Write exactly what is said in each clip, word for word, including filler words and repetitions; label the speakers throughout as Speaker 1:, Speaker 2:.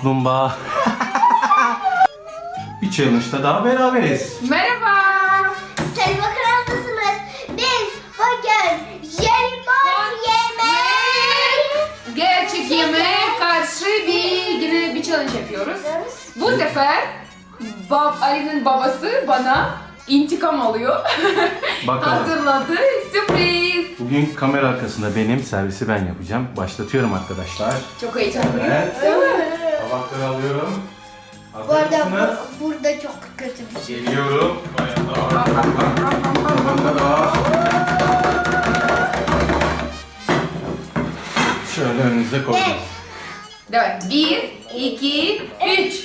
Speaker 1: kaplumbağa. Bir challenge'da daha beraberiz.
Speaker 2: Merhaba.
Speaker 3: Selva kanalındasınız. Biz bugün jelibon yemek.
Speaker 2: Gerçek yemeğe karşı bir yine bir challenge yapıyoruz. Bu sefer bab, Ali'nin babası bana intikam alıyor.
Speaker 1: Bakalım.
Speaker 2: Hazırladı. Sürpriz.
Speaker 1: Bugün kamera arkasında benim, servisi ben yapacağım. Başlatıyorum arkadaşlar.
Speaker 2: Çok heyecanlıyım.
Speaker 1: Evet. Tabakları alıyorum.
Speaker 3: Bu
Speaker 1: Hazır
Speaker 3: arada
Speaker 1: mısınız?
Speaker 3: bu- burada çok kötü bir şey.
Speaker 1: Geliyorum. Tabaklar. Şöyle önünüze koydum.
Speaker 2: Evet. Bir, iki, üç.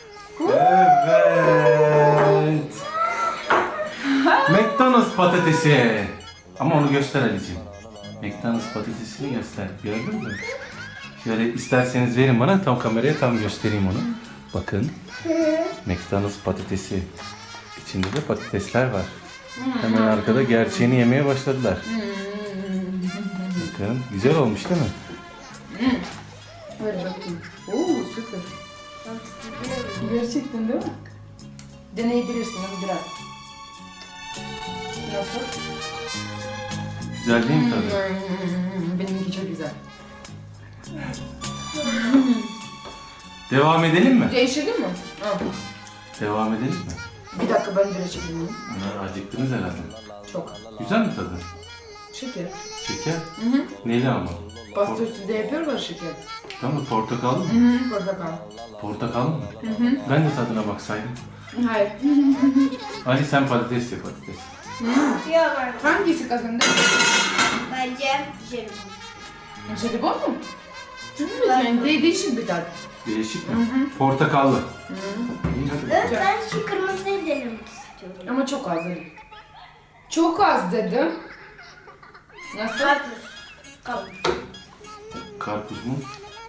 Speaker 1: Evet. McDonald's patatesi. Ama onu göster Ali'ciğim. McDonald's patatesini göster. Gördün mü? Şöyle isterseniz verin bana, tam kameraya tam göstereyim onu. Bakın. McDonald's patatesi. İçinde de patatesler var. Hemen arkada gerçeğini yemeye başladılar. Bakın. Güzel olmuş değil mi?
Speaker 2: Böyle bakayım. Oo süper. Gerçekten değil mi? Deneyebilirsin ama biraz. Nasıl?
Speaker 1: Güzel değil mi tadı?
Speaker 2: Hmm, benimki çok güzel.
Speaker 1: Devam edelim mi?
Speaker 2: Değiştirdin mi? Al.
Speaker 1: Devam edelim mi?
Speaker 2: Bir dakika ben bir çekeyim.
Speaker 1: Bunlar acıktınız herhalde.
Speaker 2: Çok.
Speaker 1: Güzel mi tadı?
Speaker 2: Şeker.
Speaker 1: Şeker?
Speaker 2: Hı hı.
Speaker 1: Neyli ama?
Speaker 2: Pasta üstünde yapıyorlar şeker.
Speaker 1: Tamam mı? Portakallı mı?
Speaker 2: Hı hı. Portakal.
Speaker 1: Portakallı mı?
Speaker 2: Hı hı.
Speaker 1: Ben de tadına baksaydım.
Speaker 2: Hayır.
Speaker 1: Ali sen patates ye patates.
Speaker 3: Yok artık.
Speaker 2: Hangisi kazandı?
Speaker 3: Bence jelibon.
Speaker 2: Jelibon mu? Evet yani de değişik bir tat.
Speaker 1: Değişik mi?
Speaker 2: Hı hı.
Speaker 1: Portakallı.
Speaker 2: Hı.
Speaker 1: İyi hadi.
Speaker 3: Evet, ben şu kırmızıyı denemek istiyorum.
Speaker 2: Ama çok az dedim. Çok az dedim. Nasıl?
Speaker 3: Karpuz. Karpuz.
Speaker 1: Karpuz mu?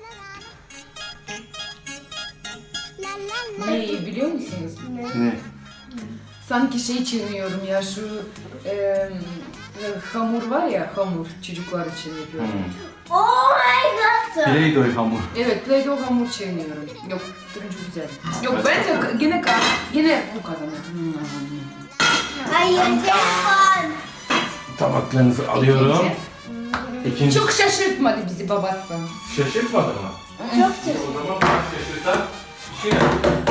Speaker 2: Neyi biliyor musunuz?
Speaker 1: Ne?
Speaker 2: Sanki şey çiğniyorum ya şu e, e, hamur var ya, hamur çocuklar için yapıyorum.
Speaker 1: Hmm.
Speaker 3: Oh my god.
Speaker 1: Play-Doh hamur.
Speaker 2: Evet, Play-Doh hamur çiğniyorum. Yok, turuncu güzel. Yok bence gene ka- gene bu kazanır. Hmm.
Speaker 3: Hayır jelibon.
Speaker 1: Tabaklarınızı alıyorum.
Speaker 2: İkinci.
Speaker 1: İkinci.
Speaker 2: Çok şaşırtmadı bizi babası.
Speaker 1: Şaşırtmadı mı?
Speaker 3: Çok
Speaker 1: O
Speaker 3: seviyorum.
Speaker 1: zaman bana şaşırtan bir şey yap.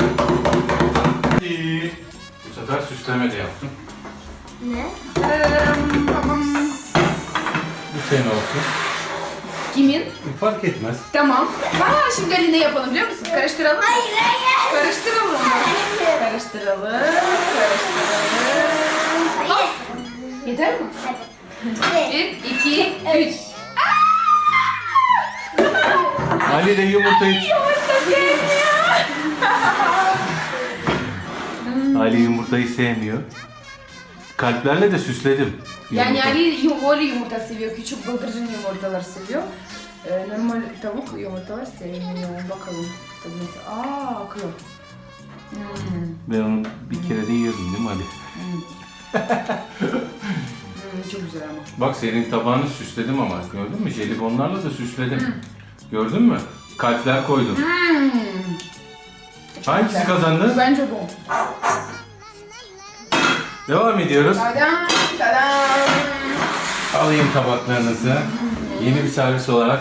Speaker 1: İyi. Bu sefer süsleme de yaptım.
Speaker 3: Ne?
Speaker 1: Bu senin olsun.
Speaker 2: Kimin?
Speaker 1: Fark etmez.
Speaker 2: Tamam. Ha şimdi Ali ne yapalım biliyor musun? Karıştıralım.
Speaker 3: Hayır hayır.
Speaker 2: Karıştıralım.
Speaker 3: Hayır.
Speaker 2: Karıştıralım. Karıştıralım. Hop. Yeter mi?
Speaker 3: Hadi.
Speaker 2: Bir, iki, üç.
Speaker 1: Ali de yumurtayı... Ali yumurtayı sevmiyor. Kalplerle de süsledim.
Speaker 2: Yani
Speaker 1: Yumurta.
Speaker 2: Ali yumurta yumurta seviyor. Küçük bıldırcın yumurtalar seviyor. Ee, normal tavuk yumurtalar sevmiyor. Bakalım. Tabii nasıl? Aa akıyor. Hmm.
Speaker 1: Ben onu bir kere de yiyordum değil mi Ali?
Speaker 2: Hmm, çok güzel ama.
Speaker 1: Bak senin tabağını süsledim ama gördün mü? Jelibonlarla da süsledim. Gördün mü? Kalpler koydum.
Speaker 2: Hmm.
Speaker 1: Hangisi kazandı?
Speaker 2: Bence bu.
Speaker 1: Devam ediyoruz.
Speaker 2: Tadam, tadam.
Speaker 1: Alayım tabaklarınızı. Yeni bir servis olarak.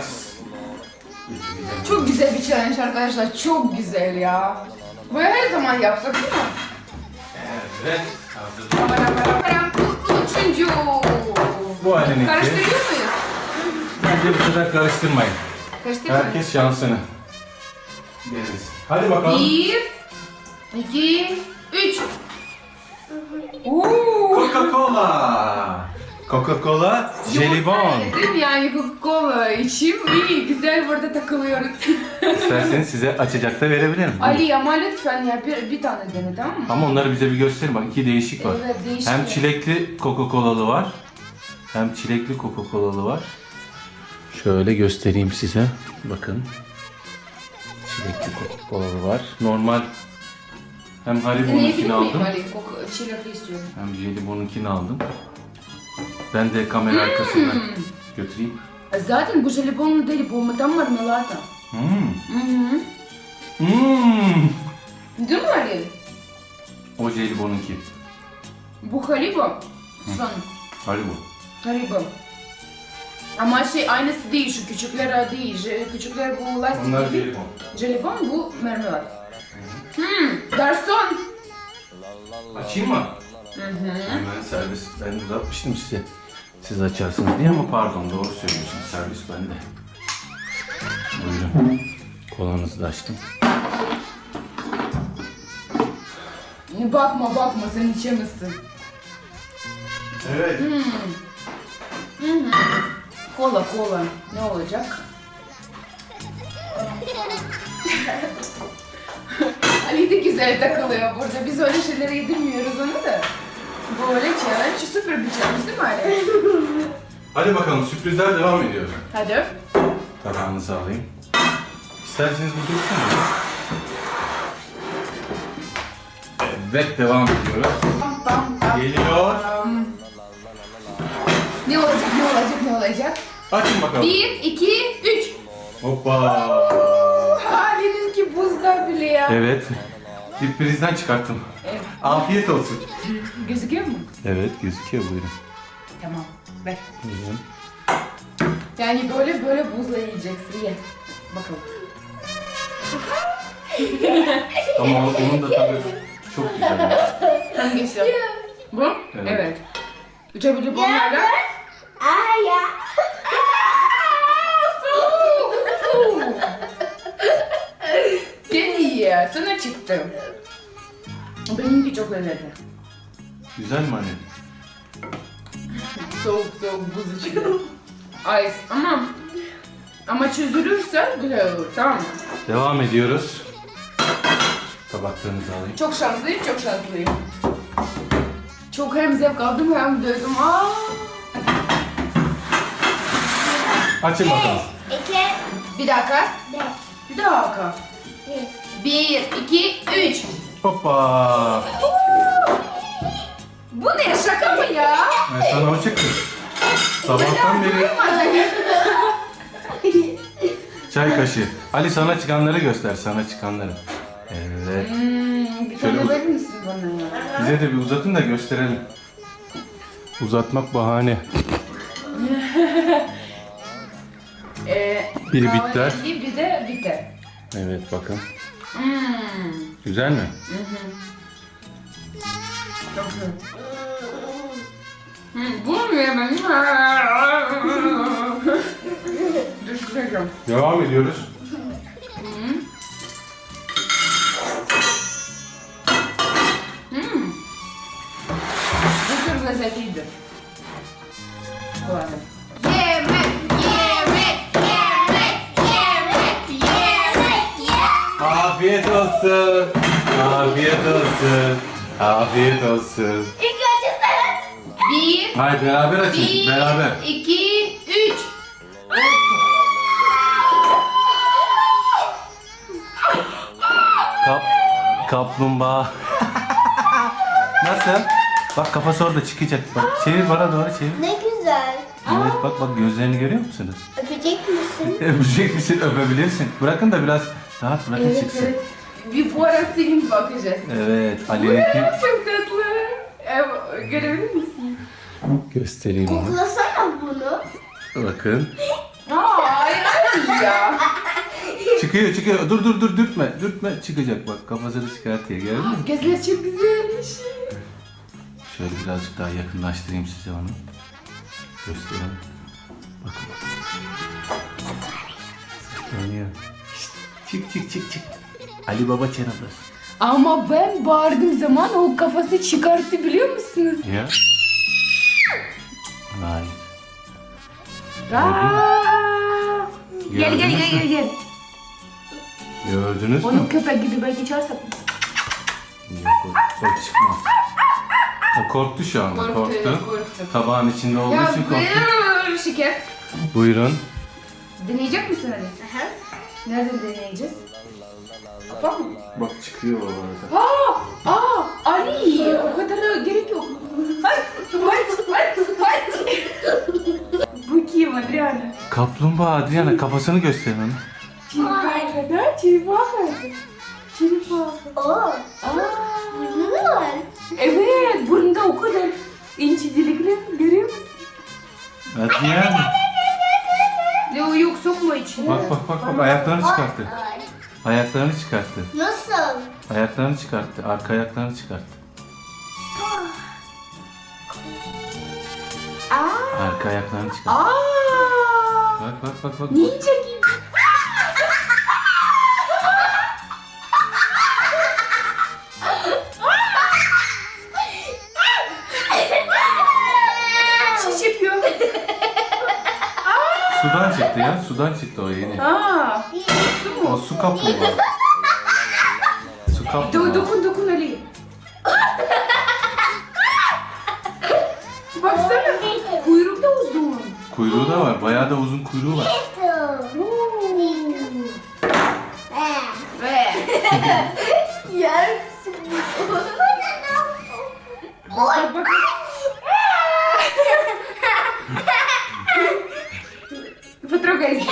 Speaker 2: Çok güzel bir challenge arkadaşlar. Çok güzel ya. Böyle her zaman yapsak değil mi?
Speaker 1: Evet.
Speaker 2: Param, param, param. Bu üçüncü.
Speaker 1: Bu Ali'ninki.
Speaker 2: Karıştırıyor muyuz?
Speaker 1: Bence bu sefer karıştırmayın.
Speaker 2: Karıştırmayın.
Speaker 1: Herkes şansını. Deriz. Hadi bakalım.
Speaker 2: Bir, iki, üç. Oo.
Speaker 1: Coca-Cola. Coca-Cola, jelibon.
Speaker 2: Değil mi? Yani Coca-Cola içim iyi. Güzel burada takılıyoruz.
Speaker 1: İsterseniz size açacak da verebilirim.
Speaker 2: Ali ama lütfen ya bir, bir tane dene tamam mı?
Speaker 1: Ama onları bize bir gösterin. Bak iki değişik var.
Speaker 2: Evet, değişik
Speaker 1: Hem
Speaker 2: ya.
Speaker 1: çilekli Coca-Cola'lı var. Hem çilekli Coca-Cola'lı var. Şöyle göstereyim size. Bakın. Çilekli Coca-Cola'lı var. Normal. Hem
Speaker 2: Deneyebilir
Speaker 1: Haribo'nunkini
Speaker 2: miyim
Speaker 1: aldım.
Speaker 2: Ali? Coca- çilekli istiyorum.
Speaker 1: Hem Jelibon'unkini aldım. Ben de kamera arkasından götüreyim.
Speaker 2: Zaten bu jelibon değil, bu tam marmelata.
Speaker 1: Hmm.
Speaker 2: Hı hı.
Speaker 1: Hmm.
Speaker 2: Değil mi Ali?
Speaker 1: O jelibonunki.
Speaker 2: Bu Haribo. Son.
Speaker 1: Haribo.
Speaker 2: Haribo. Ama şey aynısı değil, şu küçükler değil. Je- Küçükler bu lastik
Speaker 1: Onlar
Speaker 2: gibi.
Speaker 1: jelibon.
Speaker 2: Jelibon, bu mermeler. Hmm, garson.
Speaker 1: Açayım mı?
Speaker 2: Hı hı.
Speaker 1: Hemen servis. Ben uzatmıştım size. Siz açarsınız diye ama pardon doğru söylüyorsun. Servis bende. Buyurun. Kolanızı da açtım.
Speaker 2: Bakma bakma, sen içemezsin.
Speaker 1: Evet.
Speaker 2: Hmm. Hı hı. Kola kola. Ne olacak? Ali de güzel takılıyor burada. Biz öyle şeyleri yedirmiyoruz onu da. Böyle challenge, süper bir challenge değil mi Ali?
Speaker 1: Hadi bakalım sürprizler devam ediyor.
Speaker 2: Hadi.
Speaker 1: Tabağınızı alayım. İsterseniz bu dursun mu? Evet devam ediyoruz.
Speaker 2: Tam tam tam.
Speaker 1: Geliyor.
Speaker 2: Ne olacak, ne olacak, ne olacak?
Speaker 1: Açın bakalım.
Speaker 2: Bir, iki, üç.
Speaker 1: Hoppa.
Speaker 2: Ali'ninki buzda bile ya.
Speaker 1: Evet. Bir prizden çıkarttım.
Speaker 2: Evet.
Speaker 1: Afiyet olsun.
Speaker 2: Gözüküyor mu?
Speaker 1: Evet gözüküyor buyurun.
Speaker 2: Tamam, ver.
Speaker 1: Buyurun.
Speaker 2: Yani böyle böyle buzla yiyeceksin, ye. Bakalım.
Speaker 1: Ama onun, onun da tabii çok güzel.
Speaker 2: Hangisi? Bu?
Speaker 1: Evet.
Speaker 2: Evet. Uçabilir bunlarla.
Speaker 3: Ay ya.
Speaker 2: Gel ye, sana çıktı. Benimki çok lezzetli.
Speaker 1: Güzel mi anne?
Speaker 2: Soğuk soğuk buz içinde. Ice ama ama çözülürse güzel olur, tamam mı?
Speaker 1: Devam ediyoruz. Tabaklarınızı alayım.
Speaker 2: Çok şanslıyım, çok şanslıyım. Çok hem zevk aldım hem dövdüm. Aa!
Speaker 1: Açın bakalım.
Speaker 3: İki,
Speaker 2: Bir dakika,
Speaker 3: beş,
Speaker 2: bir dakika.
Speaker 3: bir.
Speaker 2: Bir, iki, üç.
Speaker 1: Hoppa.
Speaker 2: Bu ne, şaka mı ya?
Speaker 1: Ben sana o çıktı. Sabahtan beri çay kaşığı. Ali sana çıkanları göster, sana çıkanları. Evet.
Speaker 2: Hmm, bir
Speaker 1: Şöyle
Speaker 2: tane
Speaker 1: uz-
Speaker 2: verir misin bana ya?
Speaker 1: Bize de bir uzatın da gösterelim. Uzatmak bahane.
Speaker 2: Ee,
Speaker 1: Biri
Speaker 2: kahverengi,
Speaker 1: bitter.
Speaker 2: Bir de bitter.
Speaker 1: Evet bakın.
Speaker 2: Hmm.
Speaker 1: Güzel mi?
Speaker 2: Hı hı. Çok güzel. Hmm, bunu mu yemem? Düşüreceğim.
Speaker 1: Devam ediyoruz.
Speaker 2: Hmm. Hmm. Bu çok lezzetliydi. Bu arada. Yemek, yemek, yemek, yemek, yemek, yemek.
Speaker 1: Afiyet olsun. Afiyet olsun. Afiyet olsun.
Speaker 3: İlk önce sen.
Speaker 2: Bir,
Speaker 1: Hayır beraber açın.
Speaker 2: bir,
Speaker 1: Beraber.
Speaker 2: iki, üç.
Speaker 1: Kap, kaplumbağa. Nasıl? Bak kafası orada çıkacak. Bak çevir bana doğru çevir.
Speaker 3: Ne güzel.
Speaker 1: Evet bak bak gözlerini görüyor musunuz?
Speaker 3: Öpecek misin?
Speaker 1: Öpecek misin? Öpebilirsin. Bırakın da biraz rahat bırakın
Speaker 2: Evet,
Speaker 1: çıksın.
Speaker 2: evet. Bir bu ara senin bakacağız.
Speaker 1: Evet Ali'ninki.
Speaker 2: Çok tatlı. Ee, görebilir misin?
Speaker 1: Göstereyim onu.
Speaker 3: Koklasana bunu.
Speaker 1: Bakın.
Speaker 2: Aa, ay, ay ya.
Speaker 1: Çıkıyor çıkıyor. Dur dur dur dürtme. Dürtme çıkacak bak. Kafasını çıkartıyor gördün mü?
Speaker 2: Gözler çok güzelmiş.
Speaker 1: Şöyle birazcık daha yakınlaştırayım size onu. Göstereyim. Bakın. Saklanıyor. Şşt, çık çık çık çık. Ali Baba Çenabas.
Speaker 2: Ama ben bağırdığım zaman o kafası çıkarttı biliyor musunuz?
Speaker 1: Ya. Hayır.
Speaker 2: Aa! Gel gel
Speaker 1: Gördünüz
Speaker 2: gel
Speaker 1: mü?
Speaker 2: gel gel.
Speaker 1: Gördünüz mü?
Speaker 2: Onu köpek gibi belki çağırsak.
Speaker 1: Yok o, o çıkmaz. O korktu şu anda.
Speaker 2: Korktu,
Speaker 1: Korktu.
Speaker 2: evet, korktu.
Speaker 1: Tabağın içinde olduğu
Speaker 2: Ya
Speaker 1: için korktu.
Speaker 2: ver şeker.
Speaker 1: Buyurun.
Speaker 2: Deneyecek misin Ali?
Speaker 3: Aha.
Speaker 2: Nereden deneyeceğiz? Kafa mı?
Speaker 1: Bak çıkıyor o arada.
Speaker 2: Aa! Aa! Ali! O kadar da gerek yok. Hayır! Hayır! Hayır! Hayır! Bu kim Adriana?
Speaker 1: Kaplumbağa Adriana kafasını göster bana.
Speaker 2: Kim kadar? черепаха. Черепаха.
Speaker 3: Oo.
Speaker 2: Aa,
Speaker 3: Burnu mu var?
Speaker 2: evet, burnunda o kadar ince delikler görüyor musun?
Speaker 1: Adrian.
Speaker 2: Leo yok sokma içine.
Speaker 1: Bak bak bak bak ayaklarını çıkarttı.
Speaker 3: Ay.
Speaker 1: Ayaklarını çıkarttı.
Speaker 3: Nasıl?
Speaker 1: Ayaklarını çıkarttı. Arka ayaklarını çıkarttı.
Speaker 2: Aa,
Speaker 1: Arka ayaklarını çıkarttı.
Speaker 2: aa,
Speaker 1: Bak bak bak bak.
Speaker 2: ninja gibi. Şiş yapıyor.
Speaker 1: Sudan çıktı ya. Sudan çıktı o yeni.
Speaker 2: Aa,
Speaker 1: O su kaplumbağa. Su
Speaker 2: do,
Speaker 1: kaplumbağa.
Speaker 2: dokun dokun Ali. Baksana, kuyruk da uzun.
Speaker 1: Kuyruğu da var. Bayağı da uzun kuyruğu var.
Speaker 2: Ve
Speaker 3: Yersin.
Speaker 2: bak bak. Потрогай здесь.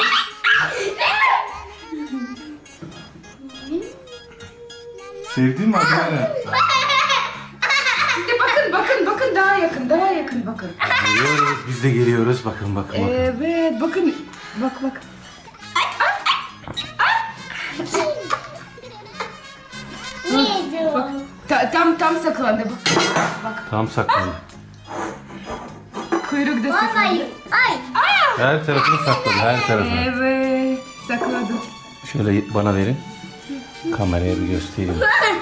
Speaker 1: Sevdin mi Adriana?
Speaker 2: Siz de bakın bakın bakın daha yakın daha yakın bakın.
Speaker 1: Geliyoruz. Biz de geliyoruz. Bakın bakın bakın.
Speaker 2: Evet bakın bak bak.
Speaker 3: Neydi o?
Speaker 2: Ta- tam tam saklandı bak. Bak
Speaker 1: Tam saklandı.
Speaker 2: kuyruk da saklandı.
Speaker 3: Ay. Ay.
Speaker 1: Her tarafını sakladı. Her tarafını.
Speaker 2: Evet sakladı.
Speaker 1: Şöyle bana verin. Kameraya bir göstereyim.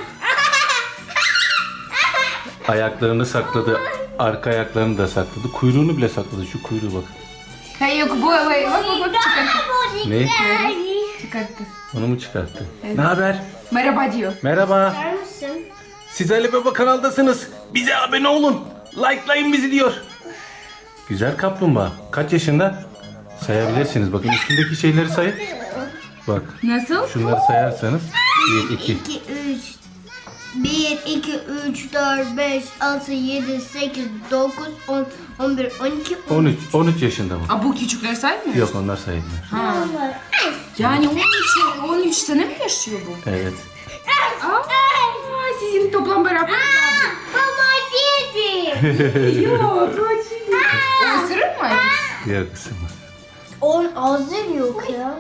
Speaker 1: Ayaklarını sakladı. Arka ayaklarını da sakladı. Kuyruğunu bile sakladı. Şu kuyruğu bak.
Speaker 2: Hayır yok bu bak bak bak bak çıkarttı.
Speaker 1: Ne?
Speaker 2: Çıkarttı.
Speaker 1: Onu mu çıkarttı? Ne haber?
Speaker 2: Merhaba diyor.
Speaker 1: Merhaba.
Speaker 3: Bakar mısın?
Speaker 1: Siz Ali Baba kanaldasınız. Bize abone olun. Likelayın bizi diyor. Güzel kaplumbağa. Kaç yaşında? Sayabilirsiniz. Bakın üstündeki şeyleri sayın. Bak.
Speaker 2: Nasıl?
Speaker 1: Şunları sayarsanız. bir, iki.
Speaker 3: iki, üç. bir, iki, üç, dört, beş, altı, yedi, sekiz, dokuz, on, on bir, on iki,
Speaker 1: on üç. on üç yaşında bu.
Speaker 2: Aa, bu küçükler saymıyor.
Speaker 1: Yok onlar sayılmıyor.
Speaker 2: Ha. Yani on üç, on üç sene mi yaşıyor bu?
Speaker 1: Evet.
Speaker 2: Aa, sizin toplam beraber.
Speaker 3: Baba dedi.
Speaker 2: Yok, kaçıyor. O ısırır mı?
Speaker 1: Diğer kısım var.
Speaker 3: On ağzı yok ya.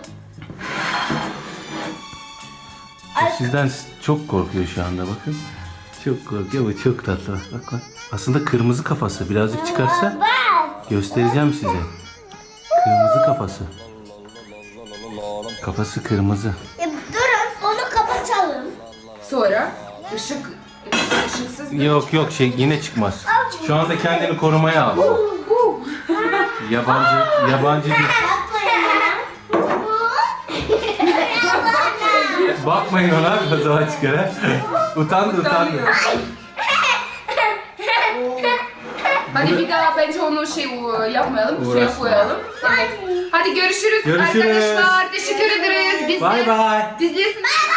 Speaker 1: O sizden çok korkuyor şu anda bakın. Çok korkuyor ama çok tatlı. Bak bak. Aslında kırmızı kafası. Birazcık çıkarsa
Speaker 3: Bak.
Speaker 1: göstereceğim size. Kırmızı kafası. Kafası kırmızı.
Speaker 3: Ya, durun onu kapatalım.
Speaker 2: Sonra ışık, ışıksız.
Speaker 1: Yok yok şey yine çıkmaz. Şu anda kendini korumaya al. Yabancı yabancı değil. Bakmayın ona o zaman çıkar ha. Utandı utandı.
Speaker 2: Hadi bir daha bence onu şey e, yapmayalım, suya
Speaker 1: Uğraşma.
Speaker 2: koyalım. Evet. Hadi görüşürüz,
Speaker 1: Görüşürüz.
Speaker 2: arkadaşlar. Teşekkür ederiz. Biz
Speaker 1: Bay bay.
Speaker 2: Bizlesin.